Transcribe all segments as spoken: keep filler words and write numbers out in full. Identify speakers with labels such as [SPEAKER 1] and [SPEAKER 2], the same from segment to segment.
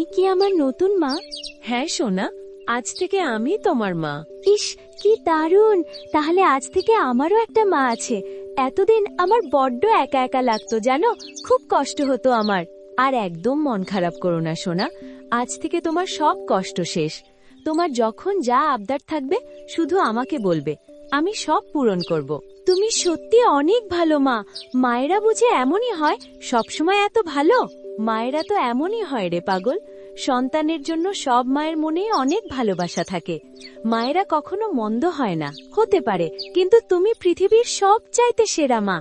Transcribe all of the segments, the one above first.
[SPEAKER 1] কি আমার নতুন মা?
[SPEAKER 2] হ্যাঁ সোনা, আজ থেকে আমি তোমার মা।
[SPEAKER 1] ইস, কি দারুণ! তাহলে আজ থেকে আমারও একটা মা আছে। এতদিন আমার বড্ড একা একা লাগতো জানো, খুব কষ্ট হতো আমার।
[SPEAKER 2] আর একদম মন খারাপ করো না সোনা, আজ থেকে তোমার সব কষ্ট শেষ। তোমার যখন যা আবদার থাকবে শুধু আমাকে বলবে, আমি সব পূরণ করব।
[SPEAKER 1] তুমি সত্যি অনেক ভালো মা। মায়েরা বুঝে এমনই হয়, সবসময় এত ভালো?
[SPEAKER 2] মায়েরা তো এমনই হয় রে পাগল, সন্তানের জন্য সব মায়ের মনেই অনেক ভালোবাসা থাকে। মায়েরা কখনো মন্দ হয় না।
[SPEAKER 1] হতে পারে, কিন্তু তুমি পৃথিবীর সবচাইতে সেরা মা।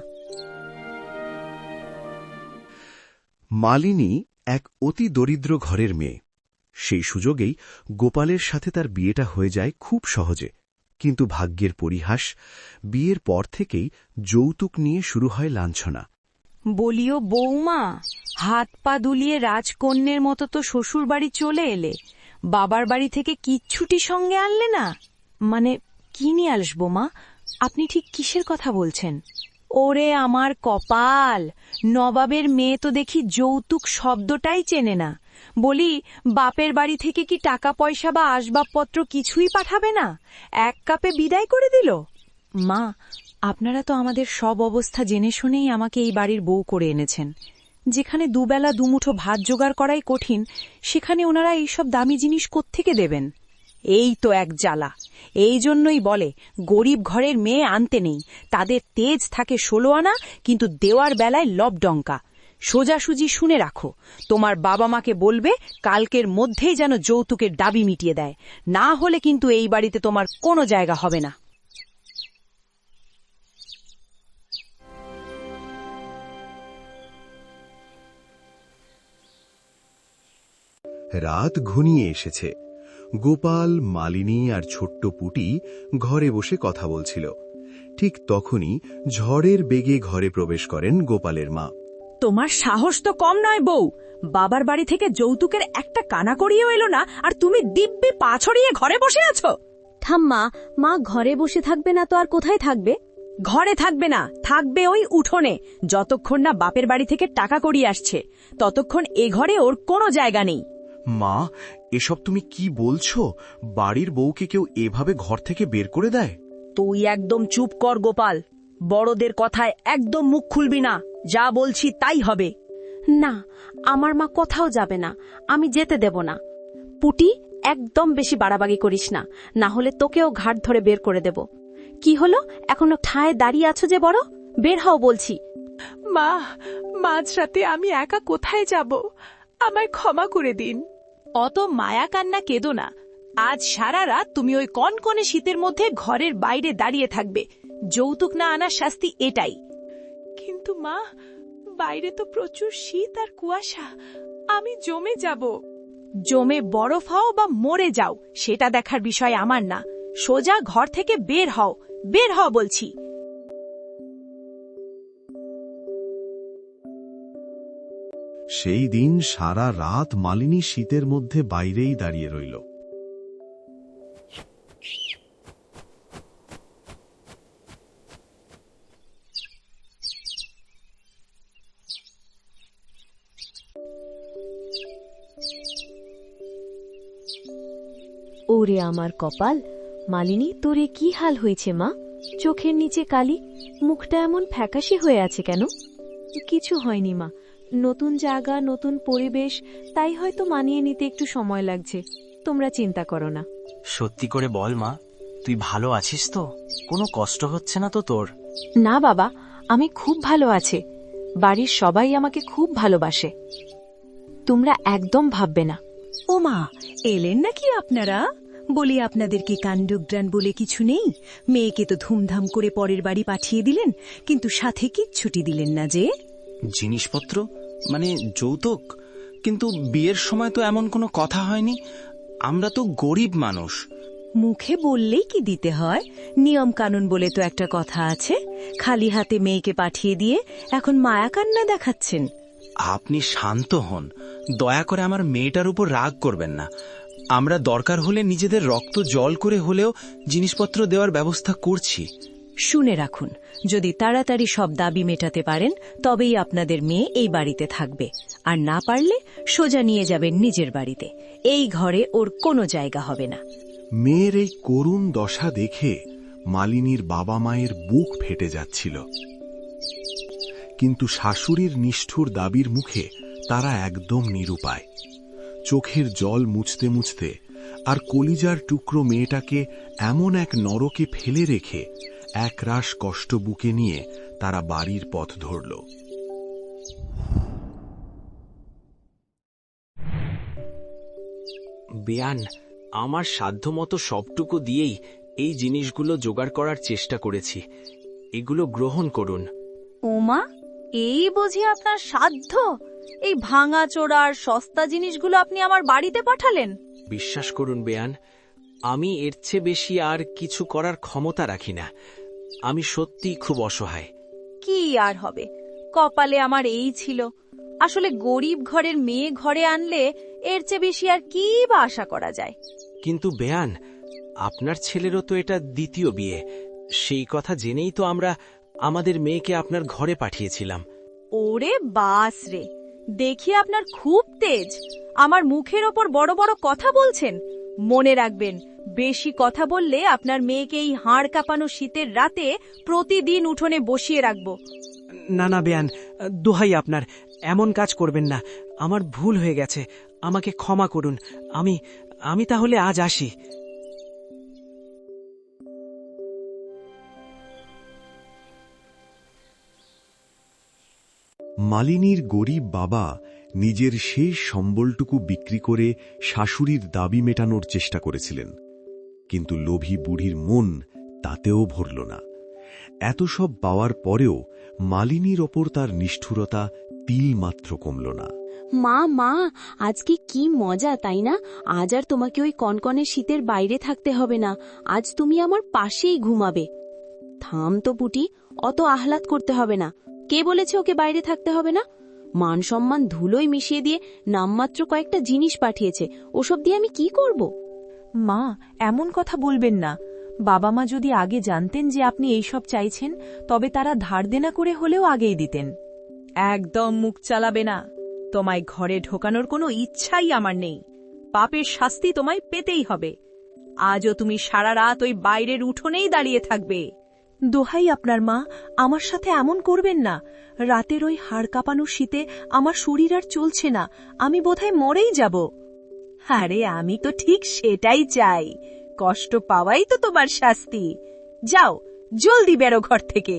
[SPEAKER 3] মালিনী এক অতি দরিদ্র ঘরের মেয়ে। সেই সুযোগেই গোপালের সাথে তার বিয়েটা হয়ে যায় খুব সহজে। কিন্তু ভাগ্যের পরিহাস, বিয়ের পর থেকেই যৌতুক নিয়ে শুরু হয় লাঞ্ছনা।
[SPEAKER 4] বলিও বৌমা, হাত পা দুলিয়ে রাজকন্যের মতো তো শ্বশুর বাড়ি চলে এলে, বাবার বাড়ি থেকে কিচ্ছুটি সঙ্গে আনলে না? মানে কি নিয়ে আসবো মা? আপনি ঠিক কিসের কথা বলছেন? ওরে আমার কপাল, নবাবের মেয়ে তো দেখি যৌতুক শব্দটাই চেনে না। বলি, বাপের বাড়ি থেকে কি টাকা পয়সা বা আসবাবপত্র কিছুই পাঠাবে না? এক কাপে বিদায় করে দিল। মা, আপনারা তো আমাদের সব অবস্থা জেনে শুনেই আমাকে এই বাড়ির বউ করে এনেছেন। যেখানে দুবেলা দুমুঠো ভাত জোগাড় করাই কঠিন, সেখানে ওনারা এইসব দামি জিনিস কোত্থেকে দেবেন? এই তো এক জ্বালা। এই জন্যই বলে গরিব ঘরের মেয়ে আনতে নেই। তাদের তেজ থাকে ষোলো আনা, কিন্তু দেওয়ার বেলায় লবডঙ্কা। সোজাসুজি শুনে রাখো, তোমার বাবা মাকে বলবে কালকের মধ্যেই যেন যৌতুকের দাবি মিটিয়ে দেয়, না হলে কিন্তু এই বাড়িতে তোমার কোনো জায়গা হবে না।
[SPEAKER 3] রাত ঘনিয়ে এসেছে। গোপাল, মালিনী আর ছোট্ট পুটি ঘরে বসে কথা বলছিল। ঠিক তখনই ঝড়ের বেগে ঘরে প্রবেশ করেন গোপালের মা।
[SPEAKER 4] তোমার সাহস তো কম নয় বউ, বাবার বাড়ি থেকে যৌতুকের একটা কানা করিয়েও এলো না, আর তুমি দিব্যি পা ছড়িয়ে ঘরে বসে আছো।
[SPEAKER 1] ঠাম্মা, মা ঘরে বসে থাকবে না তো আর কোথায় থাকবে?
[SPEAKER 4] ঘরে থাকবে না, থাকবে ওই উঠোনে। যতক্ষণ না বাপের বাড়ি থেকে টাকা করিয়ে আসছে, ততক্ষণ এ ঘরে ওর কোনো জায়গা নেই।
[SPEAKER 3] মা, এসব তুমি কি বলছো? বাড়ির বউকে কেউ এভাবে ঘর থেকে বের করে দেয়?
[SPEAKER 4] তুই একদম চুপ কর গোপাল, বড়দের কথায় একদম মুখ খুলবি না। যা বলছি তাই হবে।
[SPEAKER 1] না, আমার মা কোথাও যাবে না, আমি যেতে দেব না। পুটি, একদম বেশি বাড়াবাড়ি করিস না, না হলে তোকেও ঘাট ধরে বের করে দেব। কি হলো, এখনো ঠায় দাঁড়িয়ে আছো যে? বড়, বের হও বলছি।
[SPEAKER 5] মা, মাঝরাতে আমি একা কোথায় যাব? আমায় ক্ষমা করে দিন।
[SPEAKER 4] অত মায়া কান্না কেঁদো না। আজ সারা রাত তুমি ওই কনকনে শীতের মধ্যে ঘরের বাইরে দাঁড়িয়ে থাকবে। যৌতুক না আনার শাস্তি এটাই।
[SPEAKER 5] কিন্তু মা, বাইরে তো প্রচুর শীত আর কুয়াশা, আমি জমে যাব।
[SPEAKER 4] জমে বরফ হও বা মরে যাও, সেটা দেখার বিষয় আমার না। সোজা ঘর থেকে বের হও, বের হও বলছি।
[SPEAKER 3] সেই দিন সারা রাত মালিনী শীতের মধ্যে বাইরেই দাঁড়িয়ে রইল।
[SPEAKER 2] ওরে আমার কপাল, মালিনী তোর এ কি হাল হয়েছে মা? চোখের নিচে কালি, মুখটা এমন ফ্যাকাশে হয়ে আছে কেন? কিছু হয়নি মা, নতুন জায়গা, নতুন পরিবেশ, তাই হয়তো মানিয়ে নিতে একটু সময় লাগছে। তোমরা চিন্তা করো না।
[SPEAKER 6] সত্যি করে বল মা, তুই ভালো আছিস তো? কোনো কষ্ট হচ্ছে না তো তোর?
[SPEAKER 2] না বাবা, আমি খুব ভালো আছি। বাড়ির সবাই আমাকে খুব ভালোবাসে। তোমরা একদম ভাববে না।
[SPEAKER 4] ও মা, এলেন নাকি আপনারা? বলি, আপনাদের কি কাণ্ডজ্ঞান বলে কিছু নেই? মেয়েকে তো ধুমধাম করে পরের বাড়ি পাঠিয়ে দিলেন, কিন্তু সাথে কিচ্ছুটি দিলেন না যে?
[SPEAKER 6] জিনিসপত্র মানে যৌতুক? কিন্তু বিয়ের সময় তো এমন কোনো কথা হয়নি। আমরা তো গরিব মানুষ।
[SPEAKER 4] মুখে বললেই কি দিতে হয়? নিয়ম কানুন বলে তো একটা কথা আছে। খালি হাতে মেয়েকে পাঠিয়ে দিয়ে এখন মায়া কান্না দেখাচ্ছেন।
[SPEAKER 6] আপনি শান্ত হন, দয়া করে আমার মেয়েটার উপর রাগ করবেন না। আমরা দরকার হলে নিজেদের রক্ত জল করে হলেও জিনিসপত্র দেওয়ার ব্যবস্থা করছি।
[SPEAKER 4] শুনে রাখুন, যদি তাড়াতাড়ি সব দাবি মেটাতে পারেন তবেই আপনাদের মেয়ে এই বাড়িতে থাকবে, আর না পারলে সোজা নিয়ে যাবেন নিজের বাড়িতে। এই ঘরে ওর কোনো জায়গা হবে না।
[SPEAKER 3] মেয়ের এই করুণ দশা দেখে মালিনীর বাবা মায়ের বুক ফেটে যাচ্ছিল, কিন্তু শাশুড়ির নিষ্ঠুর দাবির মুখে তারা একদম নিরুপায়। চোখের জল মুছতে মুছতে আর কলিজার টুকরো মেয়েটাকে এমন এক নরকে ফেলে রেখে একরাশ কষ্ট বুকে নিয়ে তারা বাড়ির পথ ধরল।
[SPEAKER 6] বেয়ান, আমার সাধ্যমতো সবটুকু দিয়েই এই জিনিসগুলো জোগাড় করার চেষ্টা করেছি, এগুলো গ্রহণ করুন।
[SPEAKER 1] ওমা, এই বুঝি আপনার সাধ্য? এই ভাঙা চোরার সস্তা জিনিসগুলো আপনি আমার বাড়িতে পাঠালেন?
[SPEAKER 6] বিশ্বাস করুন বেয়ান, আমি এর চেয়ে বেশি আর কিছু করার ক্ষমতা রাখি না। আমি সত্যিই খুব অসহায়।
[SPEAKER 1] কি আর হবে, কপালে আমার এই ছিল। আসলে গরিব ঘরের মেয়ে ঘরে আনলে এর চেয়ে বেশি আর কি বা আশা করা যায়?
[SPEAKER 6] কিন্তু বেয়ান, আপনার ছেলেরও তো এটা দ্বিতীয় বিয়ে, সেই কথা জেনেই তো আমরা আমাদের মেয়েকে আপনার ঘরে পাঠিয়েছিলাম।
[SPEAKER 1] ওরে বাস রে, দেখি আপনার খুব তেজ। আমার মুখের ওপর বড় বড় কথা বলছেন। মনে রাখবেন, বেশি কথা বললে আপনার মেয়েকে এই হাড় কাঁপানো শীতের রাতে প্রতিদিন উঠোনে বসিয়ে রাখব।
[SPEAKER 7] না না বেয়ান, দোহাই আপনার, এমন কাজ করবেন না। আমার ভুল হয়ে গেছে, আমাকে ক্ষমা করুন। আমি আমি তাহলে আজ আসি।
[SPEAKER 3] মালিনীর গরিব বাবা নিজের শেষ সম্বলটুকু বিক্রি করে শাশুড়ির দাবি মেটানোর চেষ্টা করেছিলেন, কিন্তু লোভী বুড়ির মন তাতেও ভরল না। এত সব পাওয়ার পরেও মালিনীর ওপর তার নিষ্ঠুরতা তিলমাত্র কমল না।
[SPEAKER 1] মা মা, আজকে কি মজা, তাই না? আজ আর তোমাকে ওই কনকনে শীতের বাইরে থাকতে হবে না। আজ তুমি আমার পাশেই ঘুমাবে। থাম তো পুটি, অত আহ্লাদ করতে হবে না। কে বলেছে ওকে বাইরে থাকতে হবে না? মান সম্মান ধুলোয় মিশিয়ে দিয়ে নামমাত্র কয়েকটা জিনিস পাঠিয়েছে, ওসব দিয়ে আমি কি করব?
[SPEAKER 2] মা, এমন কথা বলবেন না। বাবা মা যদি আগে জানতেন যে আপনি এইসব চাইছেন, তবে তারা ধার দেনা করে হলেও আগেই দিতেন।
[SPEAKER 1] একদম মুখ চালাবে না। তোমায় ঘরে ঢোকানোর কোনো ইচ্ছাই আমার নেই। পাপের শাস্তি তোমায় পেতেই হবে। আজও তুমি সারা রাত ওই বাইরের উঠোনেই দাঁড়িয়ে থাকবে।
[SPEAKER 2] দোহাই আপনার মা, আমার সাথে এমন করবেন না। রাতের ওই হাড় কাঁপানো শীতে আমার শরীর আর চলছে না, আমি বোধহয় মরেই যাব।
[SPEAKER 1] আরে আমি তো ঠিক সেটাই চাই। কষ্ট পাওয়াই তো তোমার শাস্তি। যাও, জলদি বেরো ঘর থেকে।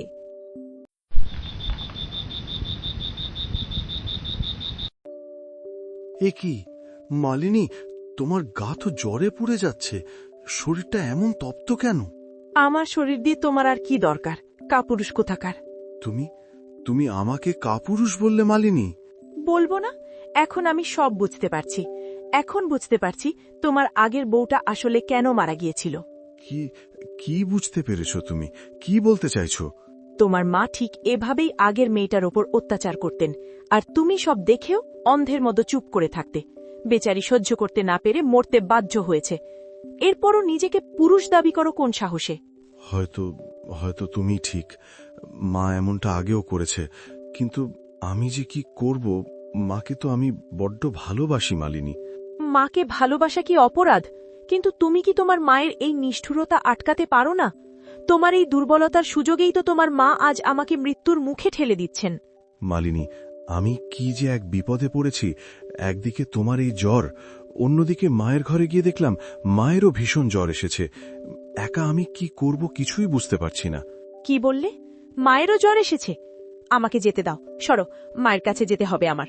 [SPEAKER 3] এ কি মালিনী, তোমার গা তো জ্বরে পুড়ে যাচ্ছে, শরীরটা এমন তপ্ত কেন?
[SPEAKER 5] আমার শরীর দিয়ে তোমার আর কি দরকার, কাপুরুষ কোথাকার।
[SPEAKER 3] তুমি তুমি আমাকে কাপুরুষ বললে মালিনী?
[SPEAKER 5] বলবো না? এখন আমি সব বুঝতে পারছি। এখন বুঝতে পারছি তোমার আগের বউটা আসলে কেন মারা গিয়েছিল।
[SPEAKER 3] কি কি বুঝতে পেরেছো তুমি? কি বলতে চাইছো?
[SPEAKER 5] তোমার মা ঠিক এভাবেই আগের মেয়েটার ওপর অত্যাচার করতেন, আর তুমি সব দেখেও অন্ধের মতো চুপ করে থাকতে। বেচারি সহ্য করতে না পেরে মরতে বাধ্য হয়েছে। এরপরও নিজেকে পুরুষ দাবি করো কোন সাহসে?
[SPEAKER 3] হয়তো হয়তো তুমি ঠিক, মা এমনটা আগেও করেছে, কিন্তু আমি যে কি করব? মাকে তো আমি বড্ড ভালোবাসি মালিনী।
[SPEAKER 5] মাকে ভালোবাসা কি অপরাধ? কিন্তু তুমি কি তোমার মায়ের এই নিষ্ঠুরতা আটকাতে পারো না? তোমার এই দুর্বলতার সুযোগেই তো তোমার মা আজ আমাকে মৃত্যুর মুখে ঠেলে দিচ্ছেন।
[SPEAKER 3] মালিনী, আমি কি যে এক বিপদে পড়েছি। একদিকে তোমার এই জ্বর, অন্যদিকে মায়ের ঘরে গিয়ে দেখলাম মায়েরও ভীষণ জ্বর এসেছে। একা আমি কি করব কিছুই বুঝতে পারছি না।
[SPEAKER 5] কি বললে? মায়েরও জ্বর এসেছে? আমাকে যেতে দাও, সরো, মায়ের কাছে যেতে হবে আমার।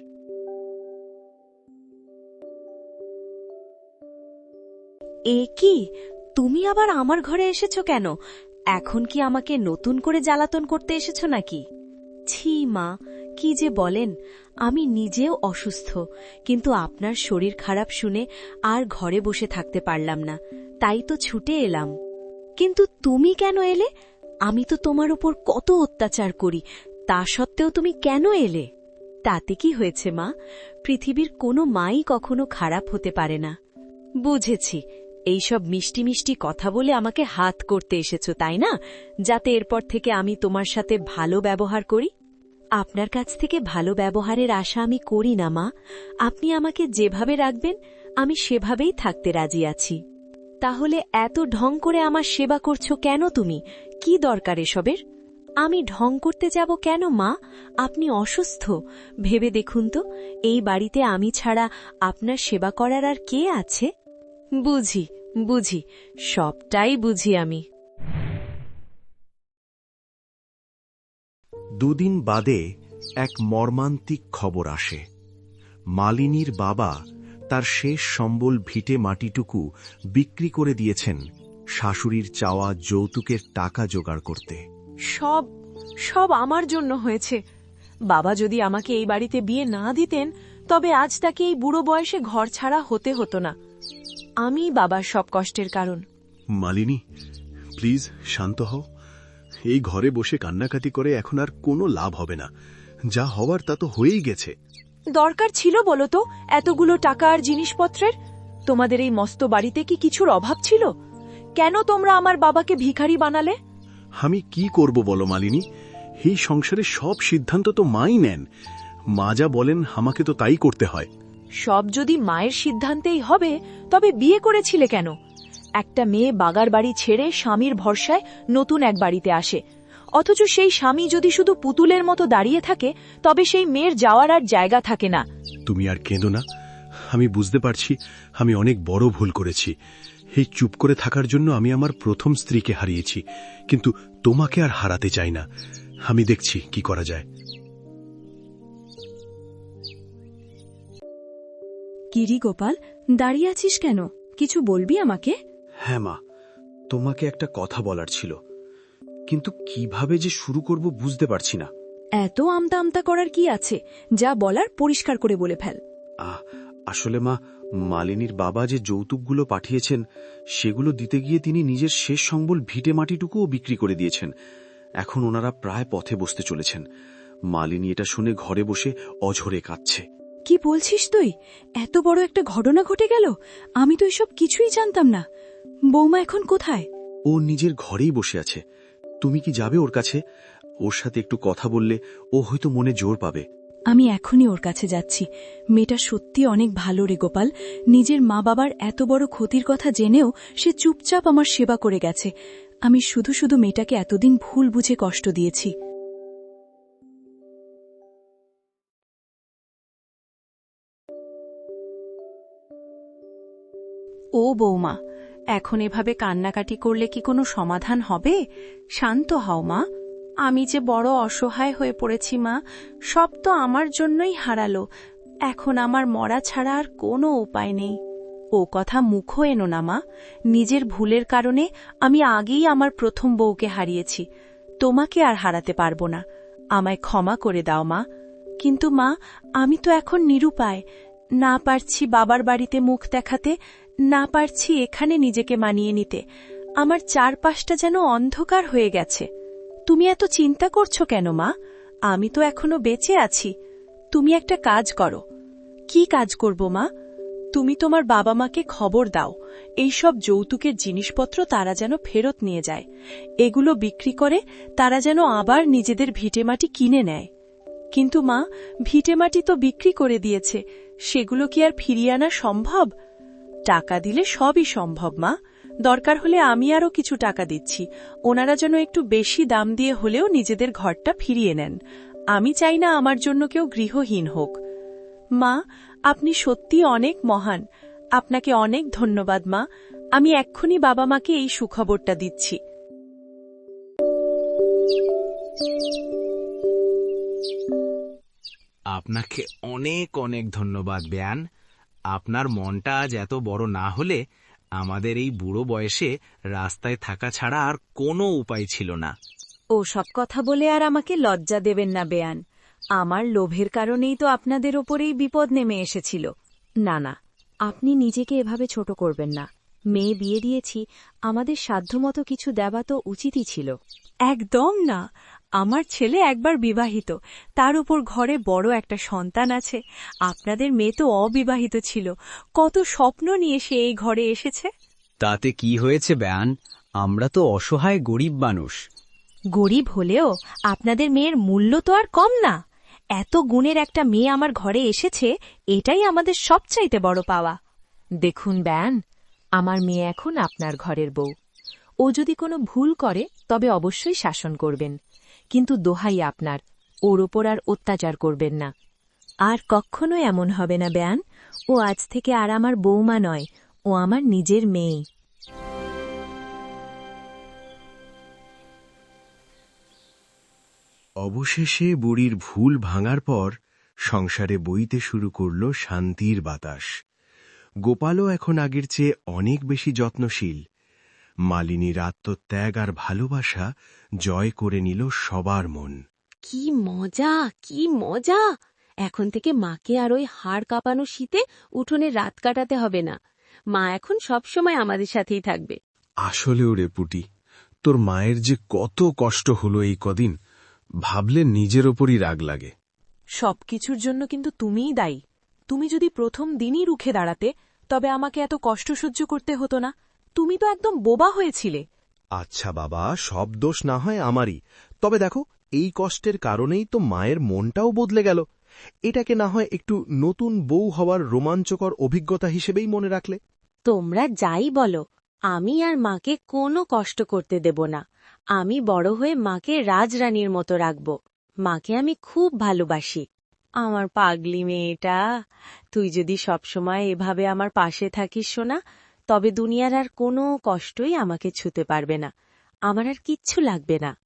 [SPEAKER 1] এ কি, তুমি আবার আমার ঘরে এসেছো কেন? এখন কি আমাকে নতুন করে জ্বালাতন করতে এসেছো নাকি? ছি মা, কি যে বলেন। আমি নিজেও অসুস্থ, কিন্তু আপনার শরীর খারাপ শুনে আর ঘরে বসে থাকতে পারলাম না, তাই তো ছুটে এলাম। কিন্তু তুমি কেন এলে? আমি তো তোমার উপর কত অত্যাচার করি, তা সত্ত্বেও তুমি কেন এলে? তাতে কি হয়েছে মা? পৃথিবীর কোনো মাই কখনো খারাপ হতে পারে না। বুঝেছি,
[SPEAKER 2] এইসব মিষ্টি মিষ্টি কথা বলে আমাকে হাত করতে এসেছো তাই না, যাতে এরপর থেকে আমি তোমার সাথে ভালো ব্যবহার করি? আপনার কাছ থেকে ভালো ব্যবহারের আশা আমি করি না মা। আপনি আমাকে যেভাবে রাখবেন আমি সেভাবেই থাকতে রাজি আছি। তাহলে এত ঢং করে আমার সেবা করছো কেন তুমি? কি দরকার এসবের? আমি ঢং করতে যাব কেন মা? আপনি অসুস্থ, ভেবে দেখুন তো, এই বাড়িতে আমি ছাড়া আপনার সেবা করার আর কে আছে? বুঝি বুঝি, সবটাই বুঝি আমি।
[SPEAKER 3] দুদিন বাদে এক মর্মান্তিক খবর আসে। মালিনীর বাবা তার শেষ সম্বল ভিটে মাটিটুকু বিক্রি করে দিয়েছেন শাশুড়ির চাওয়া যৌতুকের টাকা জোগাড় করতে।
[SPEAKER 5] সব সব আমার জন্য হয়েছে। বাবা যদি আমাকে এই বাড়িতে বিয়ে না দিতেন তবে আজ তাকে এই বুড়ো বয়সে ঘর ছাড়া হতে হতো না। আমি বাবার সব কষ্টের কারণ।
[SPEAKER 8] মালিনী, প্লিজ শান্ত হও। এই ঘরে বসে কান্নাকাটি করে এখন আর কোনো লাভ হবে না। যা হওয়ার তা তো হয়েই গেছে।
[SPEAKER 5] দরকার ছিল বলো তো এতগুলো টাকা আর জিনিসপত্রের? তোমাদের এই মস্ত বাড়িতে কি কিছুর অভাব ছিল? কেন তোমরা আমার বাবাকে ভিখারি বানালে?
[SPEAKER 8] আমি কি করব বলো মালিনী? এই সংসারে সব সিদ্ধান্ত তো মাই নেন। মা যা বলেন আমাকে তো তাই করতে হয়।
[SPEAKER 5] সব যদি মায়ের সিদ্ধান্তেই হবে তবে বিয়ে করেছিলে কেন? একটা মেয়ে বাগার বাড়ি ছেড়ে স্বামীর ভরসায় নতুন এক বাড়িতে আসে, অথচ সেই স্বামী যদি শুধু পুতুলের মতো দাঁড়িয়ে থাকে তবে সেই মেয়ের যাওয়ার আর জায়গা থাকে না।
[SPEAKER 8] তুমি আর কেঁদো না। আমি বুঝতে পারছি আমি অনেক বড় ভুল করেছি। এই চুপ করে থাকার জন্য আমি আমার প্রথম স্ত্রীকে হারিয়েছি, কিন্তু তোমাকে আর হারাতে চাই না। আমি দেখছি কি করা যায়।
[SPEAKER 1] কিরি গোপাল, দাঁড়িয়ে আছিস কেন? কিছু বলবি আমাকে?
[SPEAKER 9] হ্যাঁ মা, তোমাকে একটা কথা বলার ছিল, কিন্তু কিভাবে যে শুরু করব বুঝতে পারছি না।
[SPEAKER 1] এত আমতা আমতা করার কি আছে? যা বলার পরিষ্কার করে বলে ফেল।
[SPEAKER 9] আহ আসলে মা, মালিনীর বাবা যে যৌতুকগুলো পাঠিয়েছেন সেগুলো দিতে গিয়ে তিনি নিজের শেষ সম্বল ভিটে মাটিটুকুও বিক্রি করে দিয়েছেন। এখন ওনারা প্রায় পথে বসতে চলেছেন। মালিনী এটা শুনে ঘরে বসে অঝরে কাঁদছে।
[SPEAKER 1] কি বলছিস তুই? এত বড় একটা ঘটনা ঘটে গেল? আমি তো এসব কিছুই জানতাম না। বৌমা এখন কোথায়?
[SPEAKER 9] ও নিজের ঘরেই বসে আছে। তুমি কি যাবে ওর কাছে? ওর সাথে একটু কথা বললে ও হয়তো মনে জোর পাবে।
[SPEAKER 1] আমি এখনই ওর কাছে যাচ্ছি। মেয়েটা সত্যি অনেক ভালো রে গোপাল। নিজের মা বাবার এত বড় ক্ষতির কথা জেনেও সে চুপচাপ আমার সেবা করে গেছে। আমি শুধু শুধু মেয়েটাকে এতদিন ভুল বুঝে কষ্ট দিয়েছি। ও বৌমা, এখন এভাবে কান্নাকাটি করলে কি কোনো সমাধান হবে? শান্ত হও মা। আমি যে বড় অসহায় হয়ে পড়েছি মা। সব তো আমার জন্যই হারালো। এখন আমার মরা ছাড়া আর কোনো উপায় নেই। ও কথা মুখও এনো না মা। নিজের ভুলের কারণে আমি আগেই আমার প্রথম বউকে হারিয়েছি। তোমাকে আর হারাতে পারবো না। আমায় ক্ষমা করে দাও মা। কিন্তু মা, আমি তো এখন নিরুপায়। না পারছি বাবার বাড়িতে মুখ দেখাতে, না পারছি এখানে নিজেকে মানিয়ে নিতে। আমার চারপাশটা যেন অন্ধকার হয়ে গেছে। তুমি এত চিন্তা করছো কেন মা? আমি তো এখনো বেঁচে আছি। তুমি একটা কাজ করো। কি কাজ করব মা? তুমি তোমার বাবা মাকে খবর দাও, এইসব যৌতুকের জিনিসপত্র তারা যেন ফেরত নিয়ে যায়। এগুলো বিক্রি করে তারা যেন আবার নিজেদের ভিটেমাটি কিনে নেয়। কিন্তু মা, ভিটেমাটি তো বিক্রি করে দিয়েছে, সেগুলো কি আর ফিরিয়ে আনা সম্ভব? টাকা দিলে সবই সম্ভব মা। দরকার হলে আমি আরও কিছু টাকা দিচ্ছি। ওনারা যেন একটু বেশি দাম দিয়ে হলেও নিজেদের ঘরটা ফিরিয়ে নেন। আমি চাই না আমার জন্য কেউ গৃহহীন হোক। মা, আপনি সত্যি অনেক মহান। আপনাকে অনেক ধন্যবাদ মা। আমি এক্ষুনি বাবা মাকে এই সুখবরটা দিচ্ছি।
[SPEAKER 6] আপনাকে অনেক অনেক ধন্যবাদ বেয়ান। আপনার মনটা আজ এত বড় না হলে আমাদের এই বুড়ো বয়সে রাস্তায় থাকা ছাড়া আর কোনো উপায় ছিল না।
[SPEAKER 2] ও সব কথা বলে আর আমাকে লজ্জা দেবেন না বেয়ান। আমার লোভের কারণেই তো আপনাদের ওপরেই বিপদ নেমে এসেছিল। না না, আপনি নিজেকে এভাবে ছোট করবেন না। মেয়ে বিয়ে দিয়েছি, আমাদের সাধ্যমতো কিছু দেওয়া তো উচিতই ছিল।
[SPEAKER 1] একদম না। আমার ছেলে একবার বিবাহিত, তার উপর ঘরে বড় একটা সন্তান আছে। আপনাদের মেয়ে তো অবিবাহিত ছিল। কত স্বপ্ন নিয়ে সে এই ঘরে এসেছে।
[SPEAKER 10] তাতে কি হয়েছে ব্যান? আমরা তো অসহায় গরিব মানুষ।
[SPEAKER 2] গরিব হলেও আপনাদের মেয়ের মূল্য তো আর কম না। এত গুণের একটা মেয়ে আমার ঘরে এসেছে, এটাই আমাদের সবচাইতে বড় পাওয়া। দেখুন ব্যান, আমার মেয়ে এখন আপনার ঘরের বউ। ও যদি কোনো ভুল করে তবে অবশ্যই শাসন করবেন, কিন্তু দোহাই আপনার, ওর ওপর আর অত্যাচার করবেন না। আর কখনো এমন হবে না ব্যান। ও আজ থেকে আর আমার বৌমা নয়, ও আমার নিজের মেয়ে।
[SPEAKER 3] অবশেষে বুড়ির ভুল ভাঙার পর সংসারে বইতে শুরু করল শান্তির বাতাস। গোপালও এখন আগের চেয়ে অনেক বেশি যত্নশীল। মালিনীর আত্মত্যাগ আর ভালোবাসা জয় করে নিল সবার মন।
[SPEAKER 1] কি মজা, কি মজা! এখন থেকে মাকে আর ওই হাড় কাঁপানো শীতে উঠোনে রাত কাটাতে হবে না। মা এখন সবসময় আমাদের সাথেই থাকবে।
[SPEAKER 8] আসলেও রে পুটি, তোর মায়ের যে কত কষ্ট হলো এই কদিন, ভাবলে নিজের ওপরই রাগ লাগে।
[SPEAKER 5] সবকিছুর জন্য কিন্তু তুমিই দায়ী। তুমি যদি প্রথম দিনই রুখে দাঁড়াতে, তবে আমাকে এত কষ্ট সহ্য করতে হতো না। তুমি তো একদম বোবা হয়েছিলে।
[SPEAKER 3] আচ্ছা বাবা, সব দোষ না হয় আমারই। তবে দেখো, এই কষ্টের কারণেই তো মায়ের মনটাও বদলে গেল। এটাকে না হয় একটু নতুন বউ হওয়ার রোমাঞ্চকর অভিজ্ঞতা হিসেবেই মনে রাখলে।
[SPEAKER 1] তোমরা যাই বলো, আমি আর মাকে কোনো কষ্ট করতে দেব না। আমি বড় হয়ে মাকে রাজরানীর মতো রাখব। মাকে আমি খুব ভালোবাসি। আমার পাগলি মেয়েটা, তুই যদি সবসময় এভাবে আমার পাশে থাকিস সোনা, তবে দুনিয়ার আর কোনো কষ্টই আমাকে ছুতে পারবে না। আমার আর কিচ্ছু লাগবে না।